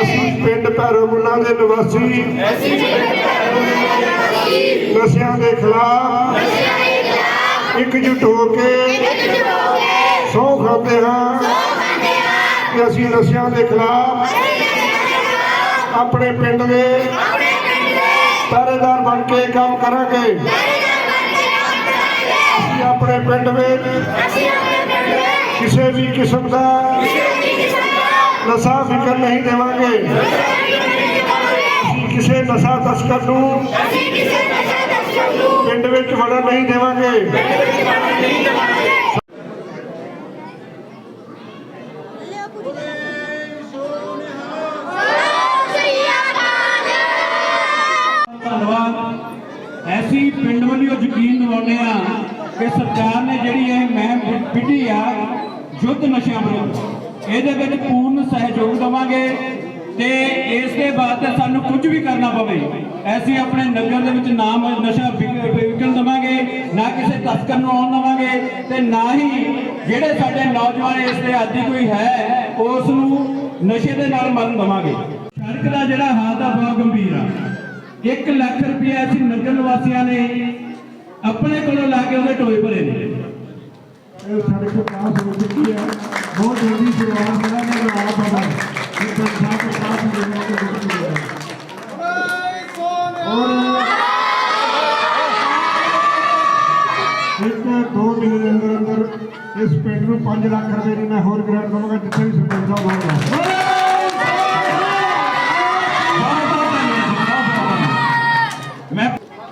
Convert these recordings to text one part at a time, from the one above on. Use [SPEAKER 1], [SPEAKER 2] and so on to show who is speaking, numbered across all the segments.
[SPEAKER 1] ਅਸੀਂ ਪਿੰਡ ਭੈਰੋਮੁੱਲਾ ਦੇ ਨਿਵਾਸੀ ਨਸ਼ਿਆਂ ਦੇ ਖਿਲਾਫ ਇਕਜੁੱਟ ਹੋ ਕੇ ਸਹੁੰ ਖਾਂਦੇ ਹਾਂ ਕਿ ਅਸੀਂ ਨਸ਼ਿਆਂ ਦੇ ਖਿਲਾਫ ਆਪਣੇ ਪਿੰਡ ਦੇ ਪਹਿਰੇਦਾਰ ਬਣ ਕੇ ਕੰਮ ਕਰਾਂਗੇ। ਅਸੀਂ ਆਪਣੇ ਪਿੰਡ ਵਿੱਚ ਕਿਸੇ ਵੀ ਕਿਸਮ ਦਾ ਨਸ਼ਾ ਵਿਕਣ ਨਹੀਂ ਦੇਵਾਂਗੇ। ਅਸੀਂ ਕਿਸੇ ਨਸ਼ਾ ਤਸਕਰ ਨੂੰ ਪਿੰਡ ਵਿੱਚ ਵੜਨ ਨਹੀਂ ਦੇਵਾਂਗੇ।
[SPEAKER 2] ਧੰਨਵਾਦ। ਐਸੀ ਪਿੰਡ ਵੱਲੋਂ ਯਕੀਨ ਦਿਵਾਉਂਦੇ ਆ ਕਿ ਸਰਕਾਰ ਨੇ ਜਿਹੜੀ ਇਹ ਮੁਹਿੰਮ ਵਿੱਢੀ ਆ ਯੁੱਧ ਨਸ਼ਿਆਂ ਵਿਰੁੱਧ, ਇਹਦੇ ਵਿੱਚ ਪੂਰਨ ਸਹਿਯੋਗ ਦੇਵਾਂਗੇ ਤੇ ਇਸ ਦੇ ਬਾਅਦ ਤੇ ਸਾਨੂੰ ਕੁਝ ਵੀ ਕਰਨਾ ਪਵੇ ਅਸੀਂ ਆਪਣੇ ਨਗਰ ਦੇ ਵਿੱਚ ਨਾ ਨਸ਼ਾ ਵਿਕਣ ਦੇਵਾਂਗੇ, ਨਾ ਕਿਸੇ ਤਸਕਰ ਨੂੰ ਆਉਣ ਦੇਵਾਂਗੇ ਤੇ ਨਾ ਹੀ ਜਿਹੜੇ ਸਾਡੇ ਨੌਜਵਾਨ ਇਸ ਦੇ ਆਦੀ ਕੋਈ ਹੈ ਉਸ ਨੂੰ ਨਸ਼ੇ ਦੇ ਨਾਲ ਮਰਨ ਦੇਵਾਂਗੇ। ਸੜਕ ਦਾ ਜਿਹੜਾ ਹਾਲਤ ਆ ਬਹੁਤ ਗੰਭੀਰ ਆ। 1 ਲੱਖ ਰੁਪਇਆ ਅਸੀਂ ਨਗਰ ਨਿਵਾਸੀਆਂ ਨੇ ਆਪਣੇ ਕੋਲੋਂ ਲਾ ਕੇ ਉਹਦੇ ਟੋਏ ਭਰੇ ਨੇ।
[SPEAKER 1] ਇਹ ਸੜਕ ਪਾਸ ਹੋ ਚੁੱਕੀ ਹੈ, ਬਹੁਤ ਜਲਦੀ ਸ਼ੁਰੂਆਤ ਕਰਾਂਗੇ। ਆਇਆ ਪਤਾ ਇੱਕ ਸਾਥ ਪਾਸ ਹੋ ਜਾਏਗਾ ਔਰ 1-2 ਮਹੀਨੇ ਦੇ ਅੰਦਰ ਇਸ ਪਿੰਡ ਨੂੰ 5 ਲੱਖ ਰੁਪਏ ਦੀ ਮੈਂ ਹੋਰ ਗ੍ਰਾਂਟ ਦਵਾਂਗਾ ਜਿੱਥੇ ਵੀ ਸਰਪੰਚ ਸਾਹਿਬ ਆਉਣਗੇ।
[SPEAKER 2] ਮੈਂ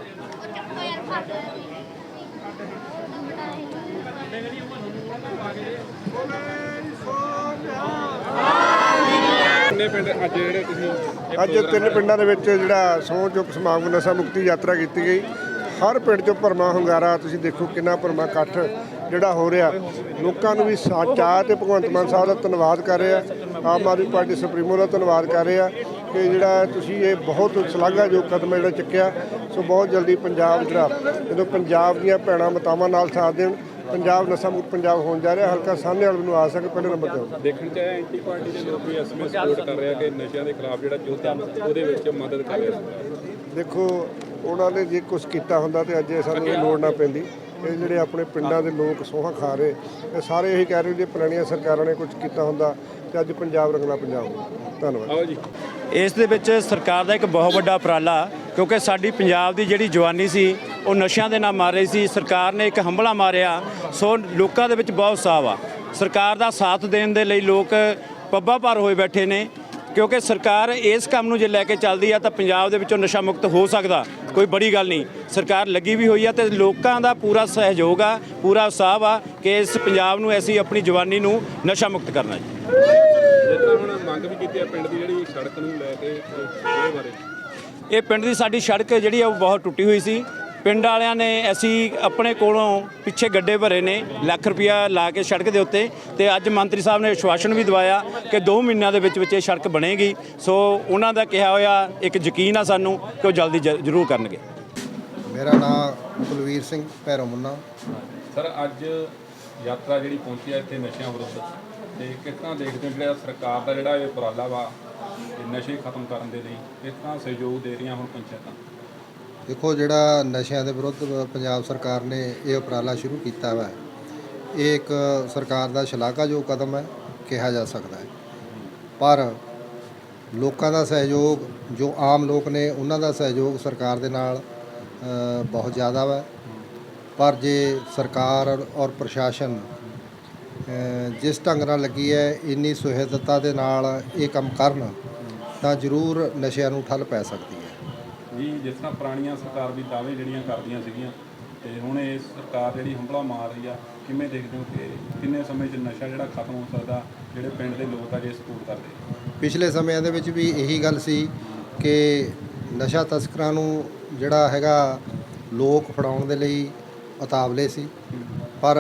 [SPEAKER 1] ਅੱਜ 3 ਪਿੰਡਾਂ ਦੇ ਵਿੱਚ ਜਿਹੜਾ ਸਹੁੰ ਚੁੱਕ ਸਮਾਗਮ ਨਸ਼ਾ ਮੁਕਤੀ ਯਾਤਰਾ ਕੀਤੀ ਗਈ। ਹਰ ਪਿੰਡ 'ਚੋਂ ਭਰਮਾ ਹੁੰਗਾਰਾ, ਤੁਸੀਂ ਦੇਖੋ ਕਿੰਨਾ ਭਰਮਾ ਇਕੱਠ ਜਿਹੜਾ ਹੋ ਰਿਹਾ। ਲੋਕਾਂ ਨੂੰ ਵੀ ਚਾਅ ਤੇ ਭਗਵੰਤ ਮਾਨ ਸਾਹਿਬ ਦਾ ਧੰਨਵਾਦ ਕਰ ਰਿਹਾ, ਆਮ ਆਦਮੀ ਪਾਰਟੀ ਸੁਪਰੀਮੋ ਦਾ ਧੰਨਵਾਦ ਕਰ ਰਿਹਾ ਕਿ ਜਿਹੜਾ ਤੁਸੀਂ ਇਹ ਬਹੁਤ ਸ਼ਲਾਘਾਯੋਗ ਕਦਮ ਜਿਹੜਾ ਚੁੱਕਿਆ। ਸੋ ਬਹੁਤ ਜਲਦੀ ਪੰਜਾਬ ਜਿਹੜਾ ਜਦੋਂ ਪੰਜਾਬ ਦੀਆਂ ਭੈਣਾਂ ਮਾਤਾਵਾਂ ਨਾਲ ਸਾਥ ਦੇਣ, ਪੰਜਾਬ ਨਸ਼ਾ ਮੁਕਤ ਪੰਜਾਬ ਹੋਣ ਜਾ ਰਿਹਾ। ਹਲਕਾ ਸਾਹਮਣੇ ਵਾਲੇ ਨੂੰ ਆ ਸਕੇ ਪਹਿਲੇ ਨੰਬਰ ਤੇ
[SPEAKER 3] ਦੇਖਣ ਚ ਆਇਆ ਐਂਟੀ ਪਾਰਟੀ ਦੇ ਲੋਕ ਵੀ ਇਸ ਵਿੱਚ ਸਪੋਰਟ ਕਰ ਰਿਹਾ ਕਿ ਨਸ਼ਿਆਂ ਦੇ ਖਿਲਾਫ ਜਿਹੜਾ ਯੁੱਧ ਆ ਉਹਦੇ ਵਿੱਚ ਮਦਦ ਕਰ ਰਿਹਾ।
[SPEAKER 1] ਦੇਖੋ ਉਹਨਾਂ ਨੇ ਜੇ ਕੁਝ ਕੀਤਾ ਹੁੰਦਾ ਤੇ ਅੱਜ ਸਾਨੂੰ ਇਹ ਲੋੜ ਨਾ ਪੈਂਦੀ। ਇਹ ਜਿਹੜੇ ਆਪਣੇ ਪਿੰਡਾਂ ਦੇ ਲੋਕ ਸੋਹਾਂ ਖਾ ਰਹੇ, ਇਹ ਸਾਰੇ ਇਹੀ ਕਹਿ ਰਹੇ ਜੇ ਪੁਰਾਣੀਆਂ ਸਰਕਾਰਾਂ ਨੇ ਕੁਝ ਕੀਤਾ ਹੁੰਦਾ ਤੇ ਅੱਜ ਪੰਜਾਬ ਰੰਗਲਾ ਪੰਜਾਬ ਹੁੰਦਾ। ਧੰਨਵਾਦ।
[SPEAKER 3] ਆਓ ਜੀ।
[SPEAKER 4] ਇਸ ਦੇ ਵਿੱਚ ਸਰਕਾਰ ਦਾ ਇੱਕ ਬਹੁਤ ਵੱਡਾ ਉਪਰਾਲਾ, ਕਿਉਂਕਿ ਸਾਡੀ ਪੰਜਾਬ ਦੀ ਜਿਹੜੀ ਜਵਾਨੀ ਸੀ ਉਹ ਨਸ਼ਿਆਂ ਦੇ ਨਾਲ ਮਾਰ ਰਹੀ ਸੀ। ਸਰਕਾਰ ਨੇ ਇੱਕ ਹੰਭਲਾ ਮਾਰਿਆ, ਸੋ ਲੋਕਾਂ ਦੇ ਵਿੱਚ ਬਹੁਤ ਉਤਸ਼ਾਹ ਆ। ਸਰਕਾਰ ਦਾ ਸਾਥ ਦੇਣ ਦੇ ਲਈ ਲੋਕ ਪੱਬਾਂ ਭਾਰ ਹੋਏ ਬੈਠੇ ਨੇ, ਕਿਉਂਕਿ ਸਰਕਾਰ ਇਸ ਕੰਮ ਨੂੰ ਜੇ ਲੈ ਕੇ ਚੱਲਦੀ ਆ ਤਾਂ ਪੰਜਾਬ ਦੇ ਵਿੱਚੋਂ ਨਸ਼ਾ ਮੁਕਤ ਹੋ ਸਕਦਾ, ਕੋਈ ਬੜੀ ਗੱਲ ਨਹੀਂ। ਸਰਕਾਰ ਲੱਗੀ ਵੀ ਹੋਈ ਆ ਤੇ ਲੋਕਾਂ ਦਾ ਪੂਰਾ ਸਹਿਯੋਗ ਆ, ਪੂਰਾ ਉਤਸ਼ਾਹ ਆ ਕਿ ਇਸ ਪੰਜਾਬ ਨੂੰ ਅਸੀਂ ਆਪਣੀ ਜਵਾਨੀ ਨੂੰ ਨਸ਼ਾ ਮੁਕਤ ਕਰਨਾ ਜੀ।
[SPEAKER 3] ਜਿਸ ਤਰ੍ਹਾਂ ਹੁਣ ਮੰਗ ਵੀ ਕੀਤੀ ਹੈ ਪਿੰਡ ਦੀ ਜਿਹੜੀ ਸੜਕ ਨੂੰ ਲੈ ਕੇ, ਉਹਦੇ ਬਾਰੇ
[SPEAKER 4] ਇਹ ਪਿੰਡ ਦੀ ਸਾਡੀ ਸੜਕ ਜਿਹੜੀ ਆ ਉਹ ਬਹੁਤ ਟੁੱਟੀ ਹੋਈ ਸੀ। ਪਿੰਡ ਵਾਲਿਆਂ ਨੇ ਅਸੀਂ ਆਪਣੇ ਕੋਲੋਂ ਪਿੱਛੇ ਗੱਡੇ ਭਰੇ ਨੇ ਲੱਖ ਰੁਪਇਆ ਲਾ ਕੇ ਸੜਕ ਦੇ ਉੱਤੇ, ਤੇ ਅੱਜ ਮੰਤਰੀ ਸਾਹਿਬ ਨੇ ਆਸ਼ਵਾਸਨ ਵੀ ਦਵਾਇਆ ਕਿ 2 ਮਹੀਨਿਆਂ ਦੇ ਵਿੱਚ ਇਹ ਸੜਕ ਬਣੇਗੀ। ਸੋ ਉਹਨਾਂ ਦਾ ਕਿਹਾ ਹੋਇਆ ਇੱਕ ਯਕੀਨ ਆ ਸਾਨੂੰ ਕਿ ਉਹ ਜਲਦੀ ਜ਼ਰੂਰ ਕਰਨਗੇ।
[SPEAKER 5] ਮੇਰਾ ਨਾਮ ਕੁਲਵੀਰ ਸਿੰਘ ਭੈਰੋਮੁੱਲਾ।
[SPEAKER 3] ਸਰ ਅੱਜ ਯਾਤਰਾ ਜਿਹੜੀ ਪਹੁੰਚੀ ਹੈ ਇੱਥੇ ਨਸ਼ਿਆਂ ਵਿਰੁੱਧ, ਤੇ ਕਿਸ ਤਰ੍ਹਾਂ ਦੇਖਦੇ ਹੋ ਜਿਹੜਾ ਸਰਕਾਰ ਦਾ ਜਿਹੜਾ ਇਹ ਉਪਰਾਲਾ ਵਾ ਨਸ਼ੇ ਖਤਮ ਕਰਨ ਦੇ ਲਈ ਕਿਸ ਤਰ੍ਹਾਂ ਸਹਿਯੋਗ ਦੇ ਰਹੀਆਂ ਹੁਣ ਪੰਚਾਇਤਾਂ?
[SPEAKER 5] ਦੇਖੋ, ਜਿਹੜਾ ਨਸ਼ਿਆਂ ਦੇ ਵਿਰੁੱਧ ਪੰਜਾਬ ਸਰਕਾਰ ਨੇ ਇਹ ਉਪਰਾਲਾ ਸ਼ੁਰੂ ਕੀਤਾ ਵਾ, ਇਹ ਇੱਕ ਸਰਕਾਰ ਦਾ ਸ਼ਲਾਘਾਯੋਗ ਕਦਮ ਹੈ ਕਿਹਾ ਜਾ ਸਕਦਾ ਹੈ। ਪਰ ਲੋਕਾਂ ਦਾ ਸਹਿਯੋਗ, ਜੋ ਆਮ ਲੋਕ ਨੇ ਉਹਨਾਂ ਦਾ ਸਹਿਯੋਗ ਸਰਕਾਰ ਦੇ ਨਾਲ ਬਹੁਤ ਜ਼ਿਆਦਾ ਵਾ। ਪਰ ਜੇ ਸਰਕਾਰ ਔਰ ਪ੍ਰਸ਼ਾਸਨ ਜਿਸ ਢੰਗ ਨਾਲ ਲੱਗੀ ਹੈ, ਇੰਨੀ ਸੁਹਿਰਦਤਾ ਦੇ ਨਾਲ ਇਹ ਕੰਮ ਕਰਨ ਤਾਂ ਜ਼ਰੂਰ ਨਸ਼ਿਆਂ ਨੂੰ ਠੱਲ ਪੈ ਸਕਦੀ ਹੈ
[SPEAKER 3] ਜੀ। ਜਿਸ ਤਰ੍ਹਾਂ ਪੁਰਾਣੀਆਂ ਸਰਕਾਰ ਵੀ ਦਾਅਵੇ ਜਿਹੜੀਆਂ ਕਰਦੀਆਂ ਸੀਗੀਆਂ, ਤੇ ਹੁਣ ਇਹ ਸਰਕਾਰ ਜਿਹੜੀ ਹੰਭਲਾ ਮਾਰ ਰਹੀ ਆ, ਕਿਵੇਂ ਦੇਖਦੇ ਹੋ ਕਿ ਕਿੰਨੇ ਸਮੇਂ 'ਚ ਨਸ਼ਾ ਜਿਹੜਾ ਖਤਮ ਹੋ ਸਕਦਾ, ਜਿਹੜੇ ਪਿੰਡ ਦੇ ਲੋਕ ਆ ਜੇ ਸਪੋਰਟ ਕਰਦੇ?
[SPEAKER 5] ਪਿਛਲੇ ਸਮਿਆਂ ਦੇ ਵਿੱਚ ਵੀ ਇਹੀ ਗੱਲ ਸੀ ਕਿ ਨਸ਼ਾ ਤਸਕਰਾਂ ਨੂੰ ਜਿਹੜਾ ਹੈਗਾ ਲੋਕ ਫੜਾਉਣ ਦੇ ਲਈ ਉਤਾਵਲੇ ਸੀ, ਪਰ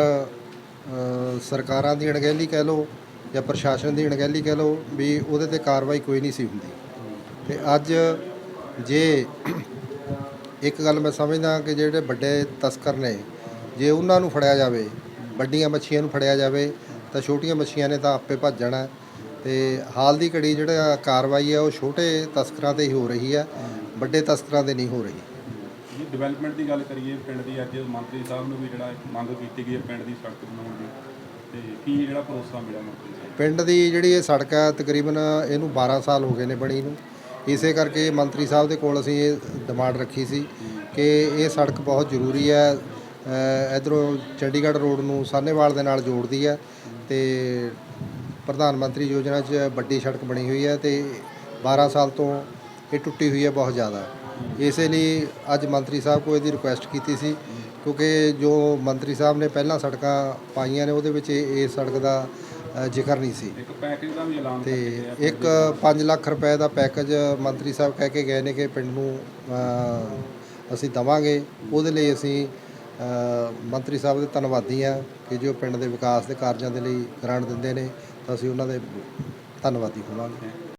[SPEAKER 5] ਸਰਕਾਰਾਂ ਦੀ ਅਣਗਹਿਲੀ ਕਹਿ ਲਓ ਜਾਂ ਪ੍ਰਸ਼ਾਸਨ ਦੀ ਅਣਗਹਿਲੀ ਕਹਿ ਲਓ ਵੀ ਉਹਦੇ 'ਤੇ ਕਾਰਵਾਈ ਕੋਈ ਨਹੀਂ ਸੀ ਹੁੰਦੀ। ਤੇ ਅੱਜ ਜੇ ਇੱਕ ਗੱਲ ਮੈਂ ਸਮਝਦਾ ਕਿ ਜਿਹੜੇ ਵੱਡੇ ਤਸਕਰ ਨੇ, ਜੇ ਉਹਨਾਂ ਨੂੰ ਫੜਿਆ ਜਾਵੇ, ਵੱਡੀਆਂ ਮੱਛੀਆਂ ਨੂੰ ਫੜਿਆ ਜਾਵੇ, ਤਾਂ ਛੋਟੀਆਂ ਮੱਛੀਆਂ ਨੇ ਤਾਂ ਆਪੇ ਭੱਜ ਜਾਣਾ। ਤੇ ਹਾਲ ਦੀ ਘੜੀ ਜਿਹੜਾ ਕਾਰਵਾਈ ਹੈ ਉਹ ਛੋਟੇ ਤਸਕਰਾਂ ਤੇ ਹੀ ਹੋ ਰਹੀ ਹੈ, ਵੱਡੇ ਤਸਕਰਾਂ ਤੇ ਨਹੀਂ ਹੋ ਰਹੀ।
[SPEAKER 3] ਜੀ ਡਿਵੈਲਪਮੈਂਟ ਦੀ ਗੱਲ ਕਰੀਏ ਪਿੰਡ ਦੀ, ਅੱਜ ਮੰਤਰੀ ਸਾਹਿਬ ਨੂੰ ਵੀ ਜਿਹੜਾ ਮੰਗ ਕੀਤੀ ਗਈ ਹੈ ਪਿੰਡ ਦੀ ਸੜਕ ਬਣਾਉਣ ਦੀ, ਤੇ ਕੀ ਜਿਹੜਾ ਭਰੋਸਾ ਮਿਲਿਆ ਮੰਤਰੀ ਸਾਹਿਬ?
[SPEAKER 5] ਪਿੰਡ ਦੀ ਜਿਹੜੀ ਇਹ ਸੜਕ ਹੈ ਤਕਰੀਬਨ ਇਹਨੂੰ 12 ਸਾਲ ਹੋ ਗਏ ਨੇ ਬਣੀ ਨੂੰ। ਇਸੇ ਕਰਕੇ ਮੰਤਰੀ ਸਾਹਿਬ ਦੇ ਕੋਲ ਅਸੀਂ ਇਹ ਡਿਮਾਂਡ ਰੱਖੀ ਸੀ ਕਿ ਇਹ ਸੜਕ ਬਹੁਤ ਜ਼ਰੂਰੀ ਹੈ, ਇੱਧਰੋਂ ਚੰਡੀਗੜ੍ਹ ਰੋਡ ਨੂੰ ਸਾਹਨੇਵਾਲ ਦੇ ਨਾਲ ਜੋੜਦੀ ਹੈ ਤੇ ਪ੍ਰਧਾਨ ਮੰਤਰੀ ਯੋਜਨਾ 'ਚ ਵੱਡੀ ਸੜਕ ਬਣੀ ਹੋਈ ਹੈ ਤੇ 12 ਸਾਲ ਤੋਂ ਇਹ ਟੁੱਟੀ ਹੋਈ ਹੈ ਬਹੁਤ ਜ਼ਿਆਦਾ। ਇਸੇ ਲਈ ਅੱਜ ਮੰਤਰੀ ਸਾਹਿਬ ਕੋਲ ਇਹਦੀ ਰਿਕੁਐਸਟ ਕੀਤੀ ਸੀ, ਕਿਉਂਕਿ ਜੋ ਮੰਤਰੀ ਸਾਹਿਬ ਨੇ ਪਹਿਲਾਂ ਸੜਕਾਂ ਪਾਈਆਂ ਨੇ ਉਹਦੇ ਵਿੱਚ ਇਹ ਸੜਕ ਦਾ ਜ਼ਿਕਰ ਨਹੀਂ ਸੀ।
[SPEAKER 3] ਇੱਕ ਪੈਕੇਜ ਦਾ ਵੀ ਐਲਾਨ
[SPEAKER 5] ਤੇ
[SPEAKER 3] ਕਰਕੇ
[SPEAKER 5] ਇੱਕ 5 ਲੱਖ ਰੁਪਏ ਦਾ ਪੈਕੇਜ ਮੰਤਰੀ ਸਾਹਿਬ ਕਹਿ ਕੇ ਗਏ ਨੇ ਕਿ ਪਿੰਡ ਨੂੰ ਅਸੀਂ ਦੇਵਾਂਗੇ। ਉਹਦੇ ਲਈ ਅਸੀਂ ਮੰਤਰੀ ਸਾਹਿਬ ਦੇ ਧੰਨਵਾਦੀ ਹਾਂ ਕਿ ਜੋ ਪਿੰਡ ਦੇ ਵਿਕਾਸ ਦੇ ਕਾਰਜਾਂ ਦੇ ਲਈ ਗ੍ਰਾਂਟ ਦਿੰਦੇ ਨੇ, ਤਾਂ ਅਸੀਂ ਉਹਨਾਂ ਦੇ ਧੰਨਵਾਦੀ ਹੋਵਾਂਗੇ।